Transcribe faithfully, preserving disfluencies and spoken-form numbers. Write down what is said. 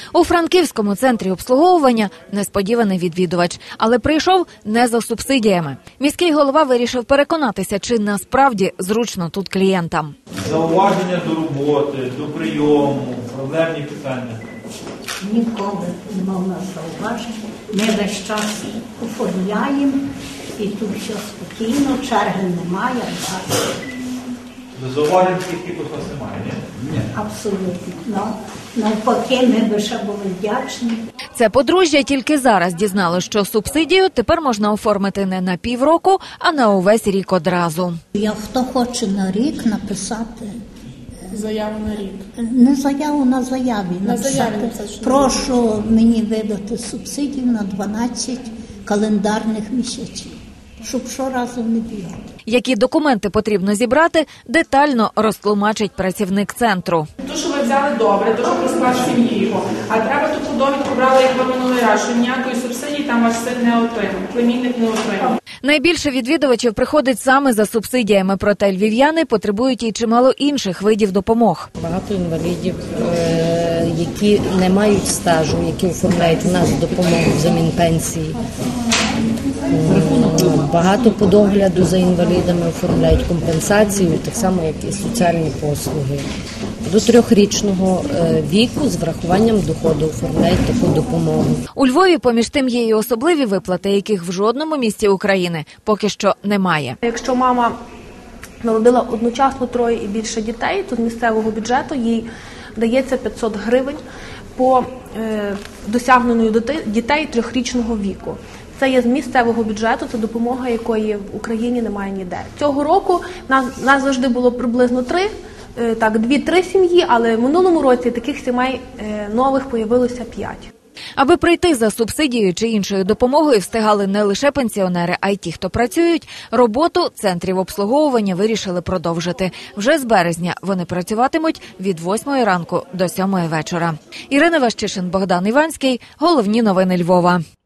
У Франківському центрі обслуговування несподіваний відвідувач, але прийшов не за субсидіями. Міський голова вирішив переконатися, чи насправді зручно тут клієнтам. Зауваження до роботи, до прийому, проблемні питання. Ніколи не мав нас зауважень. Ми весь час оформляємо і тут все спокійно, черги немає. Зауважень таких у вас немає, ні? Ні. Абсолютно. Ну, навпаки, ми би ще були вдячні. Це подружжя тільки зараз дізнало, що субсидію тепер можна оформити не на півроку, а на увесь рік одразу. Я хто хоче на рік написати. Заяву на рік. Не заяву на заяві. На написати. заяві написати, що прошу мені видати субсидію на дванадцять календарних місяців, щоб щоразу не бігати. Які документи потрібно зібрати, детально розтлумачить працівник центру. То, що ви взяли добре, то, що про склад сім'ї його. А треба ту довідку брали, як ви минулий раз, що ніякої субсидії там ваш син не отримав, племінник не отримав. Найбільше відвідувачів приходить саме за субсидіями, проте львів'яни потребують і чимало інших видів допомог. Багато інвалідів, які не мають стажу, які оформляють у нас допомогу взамін пенсії. Багато по догляду за інвалідами оформляють компенсацію, так само, як і соціальні послуги. До трьохрічного віку з врахуванням доходу оформляють таку допомогу. У Львові, поміж тим, є і особливі виплати, яких в жодному місті України поки що немає. Якщо мама народила одночасно троє і більше дітей, то з місцевого бюджету їй дається п'ятсот гривень по е, досягненню дітей трьохрічного віку. Це є з місцевого бюджету, це допомога, якої в Україні немає ніде. Цього року нас, нас завжди було приблизно три, так, дві-три сім'ї, але в минулому році таких сімей нових появилося п'ять. Аби прийти за субсидією чи іншою допомогою встигали не лише пенсіонери, а й ті, хто працюють, роботу центрів обслуговування вирішили продовжити. Вже з березня вони працюватимуть від восьмої ранку до сьомої вечора. Ірина Ващишин, Богдан Іванський. Головні новини Львова.